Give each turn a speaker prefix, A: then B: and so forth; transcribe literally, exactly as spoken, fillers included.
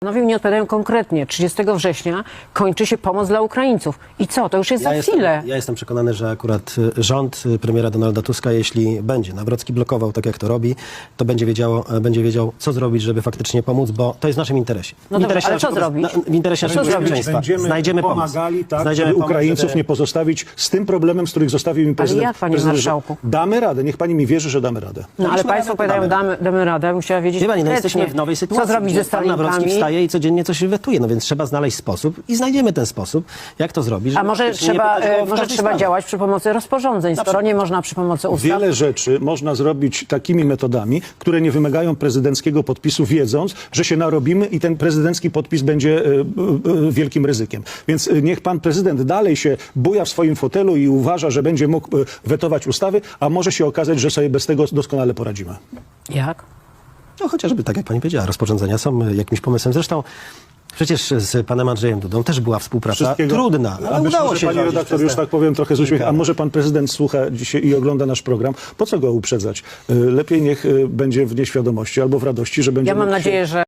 A: Panowie mi nie odpowiadają konkretnie. trzydziestego września kończy się pomoc dla Ukraińców. I co? To już jest
B: Ja
A: za
B: jestem,
A: chwilę.
B: ja jestem przekonany, że akurat y, rząd y, premiera Donalda Tuska, jeśli będzie Nawrocki blokował tak, jak to robi, to będzie, wiedziało, e, będzie wiedział, co zrobić, żeby faktycznie pomóc, bo to jest w naszym interesie.
A: No
B: w
A: dobrze,
B: interesie
A: ale co
B: naszego-
A: zrobić?
B: na- W interesie
A: Co
B: naszego
A: zrobić?
B: bezpieczeństwa.
C: Będziemy
B: Znajdziemy pomysł.
C: pomagali, tak,
B: Znajdziemy
C: żeby
B: pomysł,
C: Ukraińców
B: żeby-
C: nie pozostawić z tym problemem, z których zostawił im prezydent.
A: jak, panie
C: prezydent, że
A: marszałku?
C: Damy radę, niech pani mi wierzy, że damy radę.
A: No ale
B: Daliśmy
A: państwo
B: radę,
A: powiadają,
B: damy.
A: damy, damy radę. Bym chciała wiedzieć
B: Wie pani, no
A: konkretnie,
B: jesteśmy w nowej sytuacji,
A: co zrobić
B: gdzie
A: ze
B: pan Nawrocki
A: Stalinkami.
B: wstaje i codziennie coś wetuje, no więc trzeba znaleźć sposób i znajdziemy ten sposób, jak to zrobić.
A: A
B: żeby
A: może
B: faktycznie nie
A: trzeba,
B: pytać go
A: e,
B: w
A: może
B: każdej
A: trzeba
B: sprawie.
A: działać przy pomocy rozporządzeń, skoro nie można przy pomocy ustaw.
C: Wiele rzeczy można zrobić takimi metodami, które nie wymagają prezydenckiego podpisu, wiedząc, że się narobimy i ten prezydencki podpis będzie e, e, wielkim ryzykiem. Więc e, niech pan prezydent dalej się buja w swoim fotelu i uważa, że będzie mógł e, wetować ustawy, a może się okazać, że sobie bez tego doskonale poradzimy.
A: Jak?
B: No chociażby, tak jak pani powiedziała, rozporządzenia są y, jakimś pomysłem. Zresztą przecież z panem Andrzejem Dudą też była współpraca
C: Wszystkiego-
B: trudna,
C: A
B: ale
C: być
B: udało
C: może,
B: się
C: pani
B: zrobić
C: redaktor,
B: przez
C: już
B: te-
C: tak powiem trochę z uśmiechem, a może pan prezydent słucha dzisiaj i ogląda nasz program? Po co go uprzedzać? Y, Lepiej niech y, będzie w nieświadomości albo w radości, że będzie
A: Ja mam
C: mógł się-
A: nadzieję, że